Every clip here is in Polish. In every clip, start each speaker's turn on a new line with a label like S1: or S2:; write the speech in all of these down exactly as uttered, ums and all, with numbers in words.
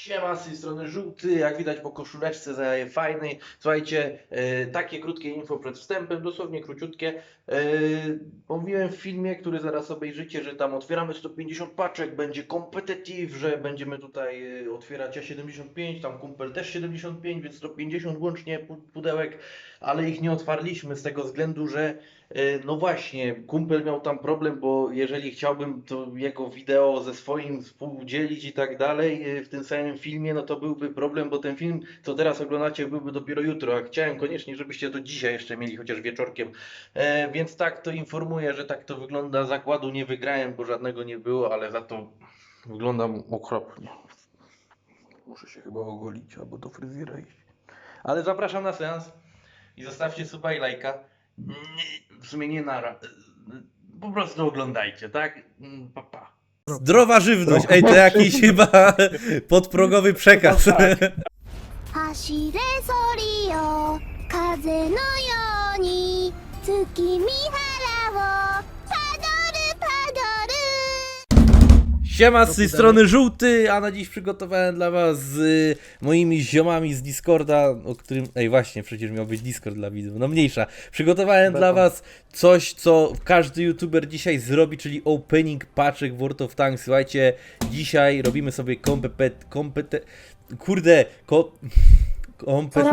S1: Siema, z tej strony Żółty, jak widać po koszuleczce zajaje fajnej. Słuchajcie, e, takie krótkie info przed wstępem, dosłownie króciutkie. E, mówiłem w filmie, który zaraz obejrzycie, że tam otwieramy sto pięćdziesiąt paczek, będzie competitive, że będziemy tutaj e, otwierać ja siedemdziesiąt pięć, tam kumpel też siedemdziesiąt pięć, więc sto pięćdziesiąt łącznie pu- pudełek, ale ich nie otwarliśmy z tego względu, że e, no właśnie, kumpel miał tam problem, bo jeżeli chciałbym to jego wideo ze swoim współdzielić i tak dalej e, w tym samym filmie, no to byłby problem, bo ten film, co teraz oglądacie, byłby dopiero jutro, a chciałem koniecznie, żebyście to dzisiaj jeszcze mieli, chociaż wieczorkiem. E, więc tak to informuję, że tak to wygląda. Zakładu nie wygrałem, bo żadnego nie było, ale za to wyglądam okropnie. Muszę się chyba ogolić albo do fryzjera iść. Ale zapraszam na seans i zostawcie suba i lajka. Nie, w sumie nie nara. Po prostu oglądajcie, tak? Pa, pa.
S2: Zdrowa żywność, ej, to jakiś chyba podprogowy przekaz.
S3: 走れソリよ風のように月見原をパドルパドル
S2: Siema, z tej strony Żółty, a na dziś przygotowałem dla was z y, moimi ziomami z Discorda, o którym, ej właśnie, przecież miał być Discord dla widzów, no mniejsza. Przygotowałem dla was coś, co każdy youtuber dzisiaj zrobi, czyli opening paczek w World of Tanks. Słuchajcie, dzisiaj robimy sobie kompet... kompet... kurde, ko... kompet...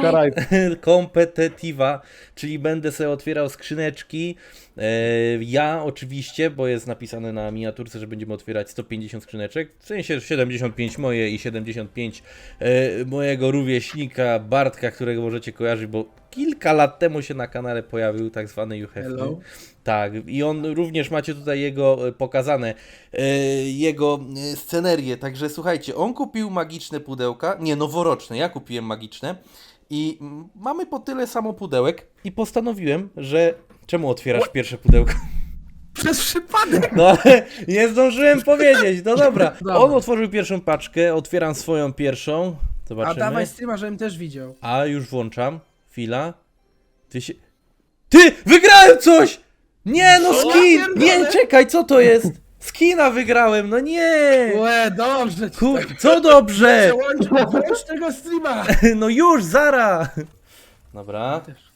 S2: kompetitiwa, czyli będę sobie otwierał skrzyneczki. E, ja oczywiście, bo jest napisane na miniaturce, że będziemy otwierać sto pięćdziesiąt skrzyneczek, w sensie siedemdziesiąt pięć moje i siedemdziesiąt pięć e, mojego rówieśnika Bartka, którego możecie kojarzyć, bo kilka lat temu się na kanale pojawił tak zwany You Have
S4: Hello.
S2: Me. Tak, i on również macie tutaj jego e, pokazane, e, jego e, scenerię, także słuchajcie, on kupił magiczne pudełka, nie, noworoczne, ja kupiłem magiczne i mm, mamy po tyle samo pudełek i postanowiłem, że czemu otwierasz pierwsze pudełko?
S4: Przez przypadek!
S2: No ale nie zdążyłem powiedzieć, no dobra.
S4: Dobra.
S2: On otworzył pierwszą paczkę, otwieram swoją pierwszą,
S4: A
S2: zobaczymy.
S4: dawaj streama, żebym też widział.
S2: A już włączam, chwila. Ty się... Ty! Wygrałem coś! Nie no,
S4: Co?
S2: skin!
S4: Ja
S2: Nie,
S4: pierdolę.
S2: czekaj, co to jest? Skina wygrałem, no nie!
S4: Łe, dobrze ci
S2: Kur...
S4: tak.
S2: Co dobrze?
S4: Przełącz, włącz tego streama!
S2: No już, zara! Dobra.
S4: Też.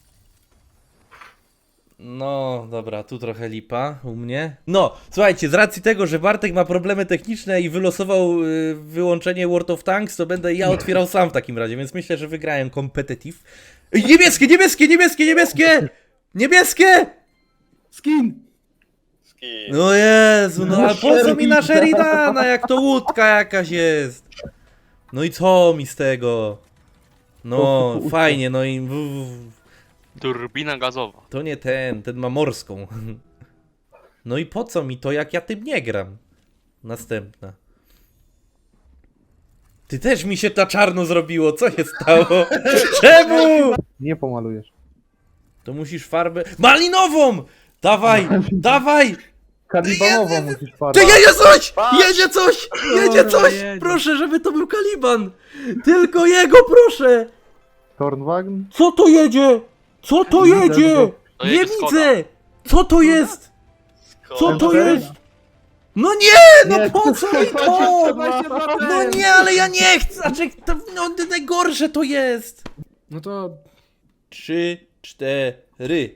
S2: No, dobra, tu trochę lipa u mnie. No, słuchajcie, z racji tego, że Bartek ma problemy techniczne i wylosował y, wyłączenie World of Tanks, to będę ja otwierał sam w takim razie, więc myślę, że wygrałem competitive. Ej, niebieskie, niebieskie, niebieskie, niebieskie! Niebieskie!
S4: Skin!
S2: No Jezu, no ale po co mi na Sheridana, jak to łódka jakaś jest? No i co mi z tego? No, fajnie, no i...
S5: Turbina gazowa.
S2: To nie ten, ten ma morską. No i po co mi to, jak ja tym nie gram? Następna. Ty też mi się ta czarno zrobiło, co się stało? Czemu?
S6: Nie pomalujesz.
S2: To musisz farbę... Malinową! Dawaj, dawaj!
S6: Kalibanową musisz farbę.
S2: Ty jedzie coś! Jedzie coś! Jedzie
S4: Dobra,
S2: coś!
S4: jedzie.
S2: Proszę, żeby to był Kaliban! Tylko jego, proszę!
S6: Tornwagen?
S2: Co to jedzie? Co to jedzie?
S5: To
S2: Nie
S5: jedzie Skoda.
S2: widzę! Co to jest? Co to jest? No nie, no
S6: Nie,
S2: po co mi to?
S4: dwadzieścia dwa
S2: No
S4: ten.
S2: nie, ale ja nie chcę, znaczy, to, no najgorsze to jest.
S4: No to...
S2: Trzy, cztery.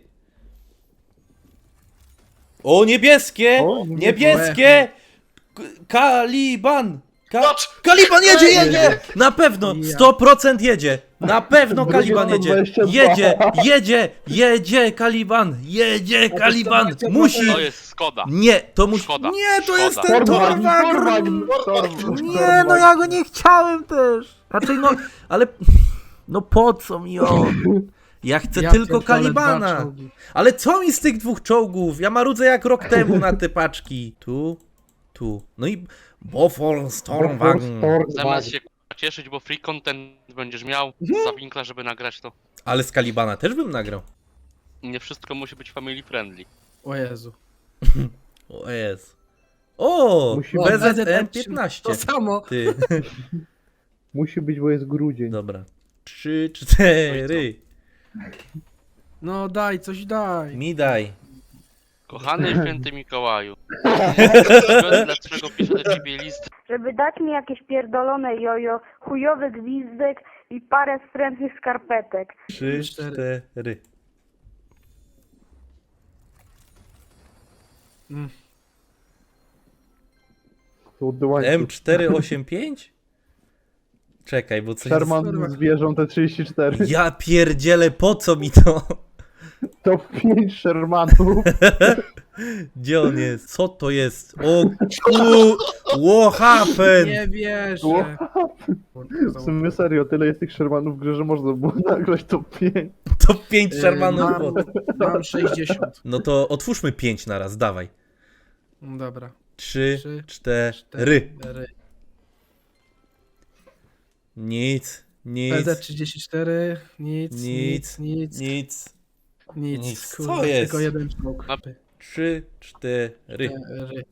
S2: O, niebieskie!
S6: O,
S2: Niebieskie! K- Kaliban! Ka Kaliban jedzie, jedzie! Na pewno, sto procent jedzie! Na pewno Kaliban jedzie! Jedzie, jedzie, jedzie Kaliban! Jedzie Kaliban! Musi!
S5: To jest Skoda.
S2: Nie, to musi...
S5: Szkoda.
S2: Nie, to jest
S5: Szkoda.
S2: ten
S6: Tornwagen!
S2: Torwag!
S6: Tornwagen!
S2: Nie, no ja go nie chciałem też! Raczej no, ale... No po co mi on? Ja chcę
S4: Ja
S2: tylko
S4: pierdolę,
S2: Kalibana!
S4: dwa czołgi.
S2: Ale co mi z tych dwóch czołgów? Ja marudzę jak rok temu na te paczki. Tu, tu. No i Bofor Stormwagen.
S5: Zamiast się k***a, cieszyć, bo free content będziesz miał za winkla, żeby nagrać to.
S2: Ale z Kalibana też bym nagrał.
S5: Nie wszystko musi być family friendly.
S4: O Jezu.
S2: O jest. O!
S6: Musi
S4: O,
S2: B Z M
S4: B Z M
S2: piętnaście.
S4: To samo.
S2: Ty.
S6: Musi być, bo jest grudzień.
S2: Dobra. Trzy, cztery.
S4: No daj, coś daj.
S2: Mi daj.
S5: Kochany święty Mikołaju, dlaczego piszę do ciebie list?
S7: Żeby dać mi jakieś pierdolone jojo, chujowy gwizdek i parę wstrętnych skarpetek.
S2: Trzy,
S4: Cztery.
S2: cztery.
S6: Złoty łańcuch.
S2: M czterysta osiemdziesiąt pięć? Czekaj, bo coś...
S6: Sherman zwierzą te trzydzieści cztery.
S2: Ja pierdzielę, po co mi to?
S6: To pięć Shermanów.
S2: Gdzie on jest? Co to jest? O ku... What happened?
S4: Nie wierzę.
S6: W sumie serio, tyle jest tych Shermanów w grze, że można było nagrać to pięć.
S2: To pięć
S4: Yy,
S2: Shermanów.
S4: mam, mam sześćdziesiąt.
S2: No to otwórzmy pięć na raz, dawaj.
S4: No dobra.
S2: Trzy,
S4: Trzy,
S2: cztery.
S4: Cztery.
S2: Nic,
S4: P
S2: nic,
S4: Z trzydzieści cztery. Nic,
S2: Nic,
S4: nic, nic,
S2: nic.
S4: nic.
S2: nic.
S4: Kurwa,
S2: Co jest?
S4: Tylko jeden czołg.
S5: No.
S2: Trzy, cztery.
S4: Cztery.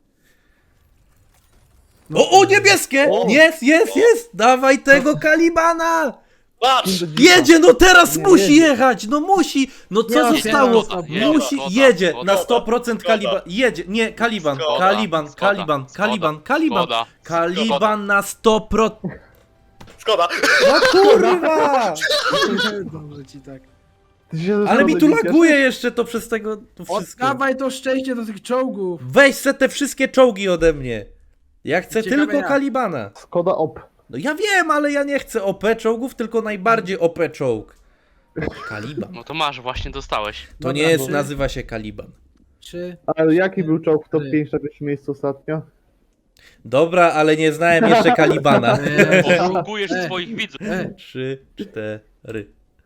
S2: O, o, niebieskie! Jest, jest, jest! Dawaj tego Kalibana!
S8: Patrz!
S2: Jedzie, no teraz
S6: Nie,
S2: musi
S6: jedzie.
S2: jechać, no musi! No co
S4: Ja
S2: zostało?
S4: otwieram,
S5: jedzie,
S2: Musi,
S5: zgoda,
S2: jedzie,
S5: zgoda,
S2: na sto procent
S8: zgoda.
S2: Kaliban, jedzie, nie, Kaliban,
S8: Zgoda,
S2: Kaliban,
S5: zgoda,
S2: Kaliban,
S5: zgoda,
S2: Kaliban, Kaliban,
S5: zgoda,
S2: Kaliban na sto procent.
S8: Szkoda!
S2: No kurwa!
S4: Dobrze ci tak.
S6: Ty się ze
S2: Ale mi tu
S6: szkody nie
S2: laguje jeszcze to przez tego, to wszystko.
S4: Oddawaj to szczęście do tych czołgów.
S2: Weź se te wszystkie czołgi ode mnie. Ja chcę
S4: Ciekawe
S2: tylko
S4: jak.
S2: Kalibana.
S6: ciesz? Skoda op.
S2: No ja wiem, ale ja nie chcę O P czołgów, tylko najbardziej O P czołg. Kaliban.
S5: No to masz, właśnie dostałeś.
S2: To
S4: Dobra,
S2: nie jest,
S4: trzy,
S2: nazywa się Kaliban.
S4: Trzy.
S6: Ale jaki był czołg w top
S4: Cztery.
S6: pięć na pierwszym miejscu ostatnio?
S2: Dobra, ale nie znałem jeszcze Kalibana.
S4: E,
S5: Oszukujesz
S4: e,
S5: swoich widzów.
S4: e.
S2: Trzy, cztery.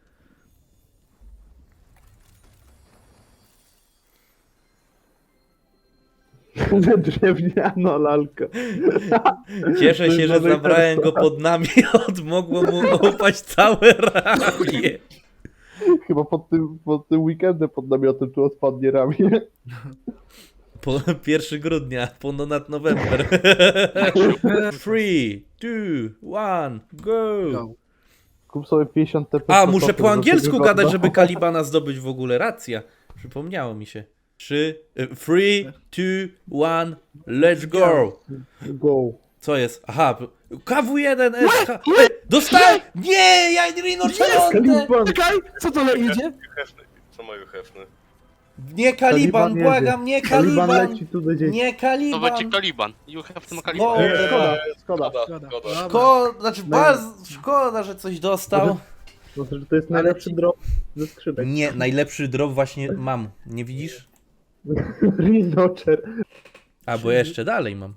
S6: Drewniano lalka.
S2: Cieszę się, że
S6: Mamy
S2: zabrałem go
S6: karta.
S2: pod namiot. Mogło mu opaść całe ramię.
S6: Chyba pod tym, pod tym weekendem pod namiotem tu odpadnie ramię.
S2: Po pierwszego grudnia, ponad November. Three, two, one, go.
S4: Go.
S6: Kup sobie pięćdziesiąt T P.
S2: A, muszę po angielsku gadać, żeby Kalibana zdobyć w ogóle. Racja. Przypomniało mi się. Trzy, y, three, two, one, let's go.
S6: Go.
S2: Co jest? Aha, K W jeden S H. Ej, dostałem! Nie, ja Rino Czerwone!
S6: Kaliban.
S4: Czekaj, co to le idzie?
S8: Hefny. Co mają hefny?
S2: Nie Kaliban,
S6: Kaliban
S2: błagam, nie
S6: Kaliban
S2: Kaliban!
S6: leci tu do dzieci.
S2: Nie
S5: To
S2: Kaliban!
S5: będzie Kaliban. You have to Kaliban.
S2: Szkoda,
S6: Szkoda, szkoda.
S8: Szkoda,
S4: Szkoda.
S8: szkoda.
S2: szkoda, znaczy bardzo szkoda, że coś dostał.
S6: Znaczy, że to jest najlepszy drop ze skrzynek.
S2: Nie, najlepszy drop właśnie mam. Nie widzisz?
S6: Rhinocher.
S2: A, bo jeszcze dalej mam.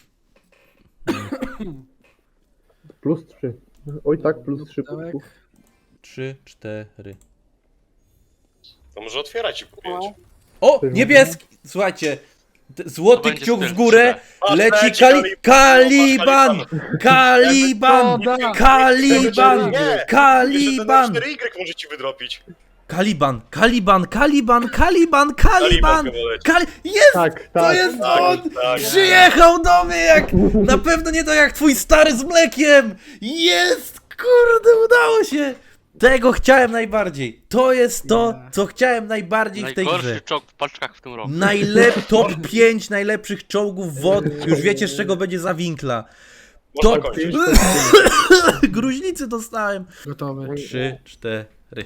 S6: Plus trzy. Oj tak, plus trzy
S4: Pudełek.
S6: punktów.
S2: Trzy, cztery.
S8: To może otwierać i po pięć.
S2: O, niebieski! Słuchajcie, t- złoty
S5: To będzie
S2: kciuk w
S5: styl
S2: górę,
S8: Patrz,
S2: leci
S8: leci
S2: kali
S8: Kaliban.
S2: Kaliban! Kaliban!
S4: Szkoda.
S2: Kaliban!
S8: Nie!
S2: Kaliban!
S8: cztery Y może ci wydropić.
S2: Kaliban! Kaliban! Kaliban! Kaliban! Kaliban!
S8: chyba leci.
S2: Kali... Jest!
S6: Tak,
S2: To
S6: tak.
S2: jest
S8: Tak,
S2: on!
S8: tak.
S2: Przyjechał do mnie jak... Na pewno nie to jak twój stary z mlekiem! Jest! Kurde, udało się! Tego chciałem najbardziej. To jest to, co chciałem najbardziej w tej grze.
S5: Najgorszy czołg w paczkach w tym roku.
S2: Najlep, top pięć najlepszych czołgów wodnych. Już wiecie, z czego będzie za winkla.
S8: Można
S2: To...
S8: kończyć.
S2: Gruźlicy dostałem.
S4: Gotowy.
S2: Trzy, cztery.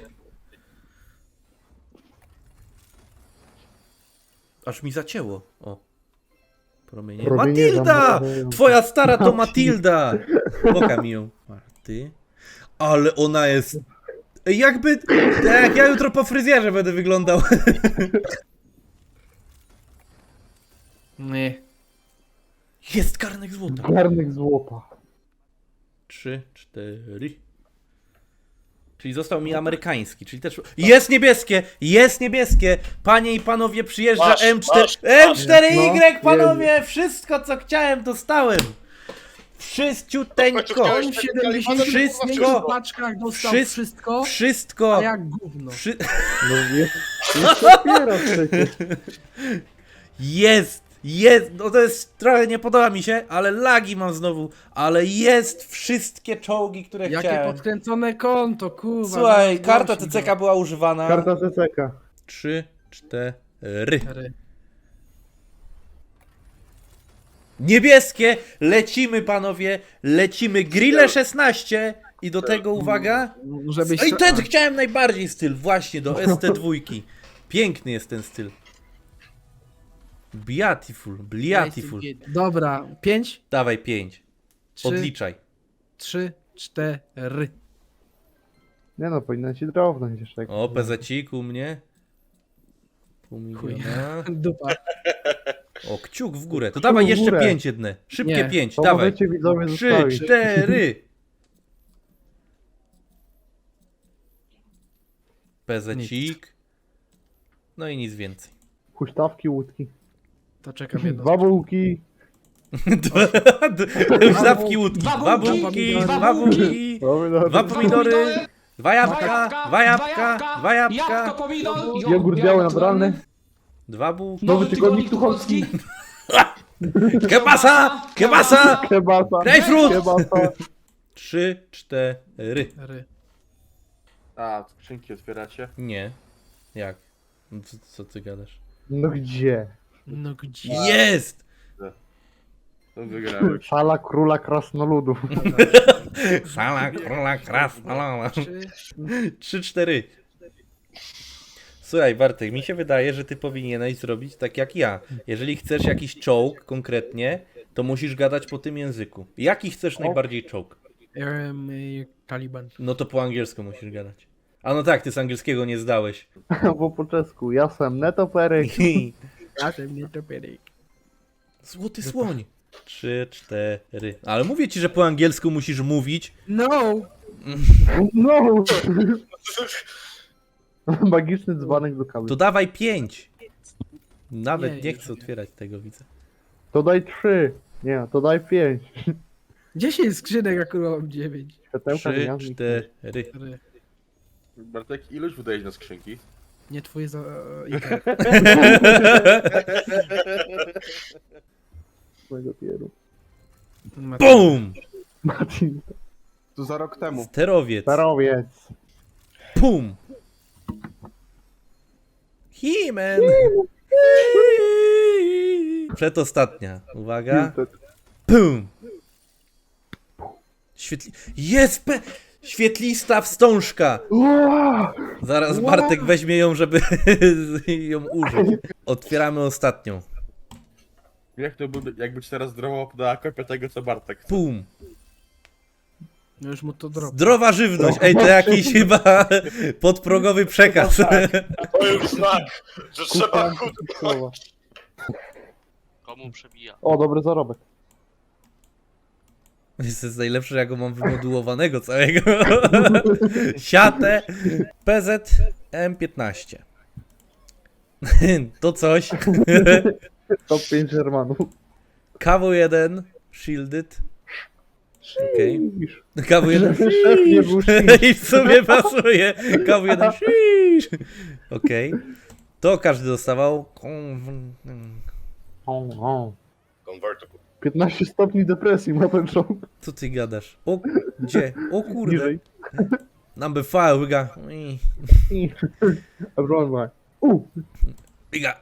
S2: Aż mi zacięło. O. Promienie.
S6: Promienie
S2: Matilda!
S6: zamrażają.
S2: Twoja stara to Matilda! Pokaż mi ją. Marty. Ale ona jest... Jakby... Tak jak ja jutro po fryzjerze będę wyglądał.
S4: Nie.
S2: Jest garnek złota.
S6: Garnek złota.
S2: Trzy, cztery. Czyli został mi amerykański, czyli też... Jest niebieskie! Jest niebieskie! Panie i panowie, przyjeżdża
S8: Masz,
S2: M cztery...
S8: masz,
S2: M cztery Y,
S6: No,
S2: panowie! Wszystko, co chciałem, dostałem! Wszyściuteńko!
S8: Chciałeś
S4: On w
S8: tego
S4: siedemdziesięciu
S8: Kalibana,
S2: Wszystko.
S4: pięciu paczkach dostał
S2: Wszy-
S4: wszystko,
S2: Wszystko!
S4: a jak gówno.
S2: Wszy...
S6: No jest, jest dopiero przecież.
S2: Jest! Jest! No to jest... Trochę nie podoba mi się, ale lagi mam znowu. Ale jest wszystkie czołgi, które
S4: Jakie
S2: chciałem.
S4: podkręcone konto, kurwa.
S2: Słuchaj,
S4: zaraz
S2: karta
S4: głośno.
S2: T C K była używana.
S6: Karta C C K.
S2: Trzy, cztery.
S4: Cztery.
S2: Niebieskie, lecimy panowie, lecimy grille szesnaście i do tego uwaga.
S4: Żebyś...
S2: Ej, ten chciałem najbardziej styl, właśnie do S T dwa. Piękny jest ten styl. Beautiful, beautiful.
S4: Dobra, pięć,
S2: Dawaj pięć.
S4: trzy,
S2: Odliczaj.
S4: trzy, cztery.
S6: Nie no, powinna ci drobnąć jeszcze.
S2: O, pezecik u mnie. Pół miliona.
S4: Dupa.
S2: O, kciuk w górę. To dawaj
S6: w
S2: jeszcze
S6: górę.
S2: pięć jedne. Szybkie
S4: Nie.
S2: pięć,
S6: To
S2: dawaj.
S6: możecie widzowie
S2: Trzy,
S6: zostawić.
S2: cztery. Pezecik. No i nic więcej.
S6: Huśtawki, łódki.
S4: To czekam jedno.
S6: Dwa bułki.
S2: Dwa, Huśtawki, łódki, dwa bułki, dwa bułki,
S6: Pomidory.
S2: dwa pomidory, dwa jabłka, dwa jabłka, dwa jabłka,
S6: Jogurt biały naturalny.
S2: dwa bułki.
S6: Nowy tygodnik tucholski.
S2: Kebasa, kebasa,
S6: Kebasa.
S2: grapefruit.
S6: Kebasa.
S2: Trzy, cztery.
S4: Ry.
S9: A, skrzynki otwieracie?
S2: Nie. Jak? No Co, co ty gadasz?
S6: No gdzie?
S4: No gdzie?
S2: Jest!
S9: To wygrałeś.
S6: Sala króla krasnoludów.
S2: Sala króla krasnolala.
S4: Trzy.
S2: Trzy, cztery. Słuchaj, Bartek, mi się wydaje, że ty powinieneś zrobić tak jak ja. Jeżeli chcesz jakiś czołg konkretnie, to musisz gadać po tym języku. Jaki chcesz najbardziej czołg?
S4: Um, Taliban.
S2: No to po angielsku musisz gadać. A no tak, ty z angielskiego nie zdałeś.
S6: Bo po czesku. Ja sam netoperyk.
S4: Proszę mnie to pyryk.
S2: Złoty słoń. Trzy, cztery. Ale mówię ci, że po angielsku musisz mówić.
S4: No!
S6: No! Magiczny dzbanek do kawy.
S2: To dawaj pięć. Nawet
S4: Nie,
S2: nie,
S4: już
S2: chcę
S4: nie.
S2: otwierać tego, widzę.
S6: To daj trzy. Nie, to daj pięć.
S4: dziesięć skrzynek, a kurwa mam dziewięć.
S6: Światełka
S2: Trzy,
S6: gwiazdnik.
S2: cztery.
S4: Ry.
S9: Bartek, ilość wydajesz na skrzynki?
S4: Nie twoje za... Iker.
S6: Mojego pieru.
S2: BUM!
S6: Marcin.
S9: To za rok temu.
S2: Sterowiec.
S6: Starowiec.
S2: Pum! He-Man! Przedostatnia. Uwaga. Pum! Świetli... Jest pe... Świetlista wstążka!
S6: Ua!
S2: Zaraz Bartek weźmie ją, żeby ją użyć. Otwieramy ostatnią.
S9: Jak to by, jakby ci teraz zdrowo podała kopię tego, co Bartek.
S2: Pum!
S4: No już mu to drop.
S2: Zdrowa żywność! Ej, to jakiś chyba podprogowy przekaz.
S8: To już znak, że trzeba
S6: Kupa.
S8: kut-
S6: Słowa.
S5: Komu przebija?
S6: O, dobry zarobek.
S2: To jest najlepsze, jak go mam wymodułowanego całego. Siatę P Z M piętnaście. To coś.
S6: Top pięć Germanów.
S2: K W jeden Shielded. Okej.
S6: Widzisz.
S2: K W jeden
S6: Szef nie był shish.
S2: I w sumie pasuje. K W jeden Shish. Okej. To każdy dostawał.
S6: O, o.
S8: Convertible.
S6: piętnaście stopni depresji ma ten czołg.
S2: Co ty gadasz? O, gdzie? O kurde.
S6: Niżej.
S2: Number five, we got...
S6: Everyone back. U!
S2: We got...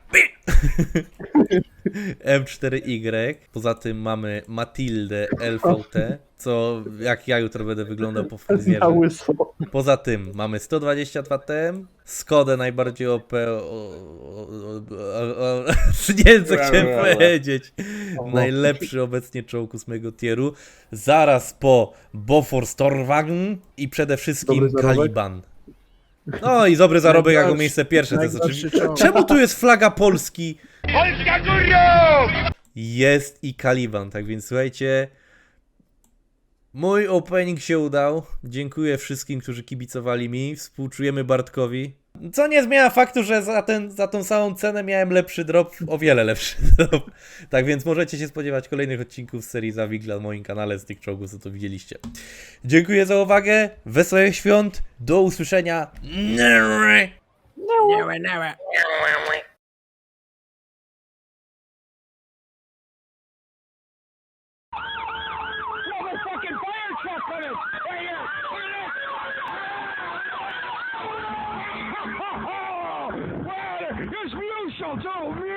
S2: M cztery Y. Poza tym mamy Matildę L V T, co jak ja jutro będę wyglądał po
S6: Na
S2: fryzjerze.
S6: łyso.
S2: Poza tym mamy sto dwadzieścia dwa T M, Skodę najbardziej O P, o, o, o, o, nie wiem co chciałem powiedzieć. Najlepszy obecnie czołg ósmego tieru, zaraz po Bofors Torwagen i przede wszystkim
S6: Dobry zarobek.
S2: Caliban. No i dobry zarobek jako miejsce pierwsze, to jest
S4: Najgorszy
S2: oczywiście...
S4: czołg.
S2: Czemu tu jest flaga Polski? Polska górą! Jest i Caliban, tak więc słuchajcie... Mój opening się udał. Dziękuję wszystkim, którzy kibicowali mi. Współczujemy Bartkowi. Co nie zmienia faktu, że za, ten, za tą samą cenę miałem lepszy drop, o wiele lepszy drop. Tak więc możecie się spodziewać kolejnych odcinków z serii Zawigla na moim kanale z tych czołgów, co to widzieliście. Dziękuję za uwagę. Wesołych świąt. Do usłyszenia.
S4: Nała, nała.
S10: It's Lucio, too.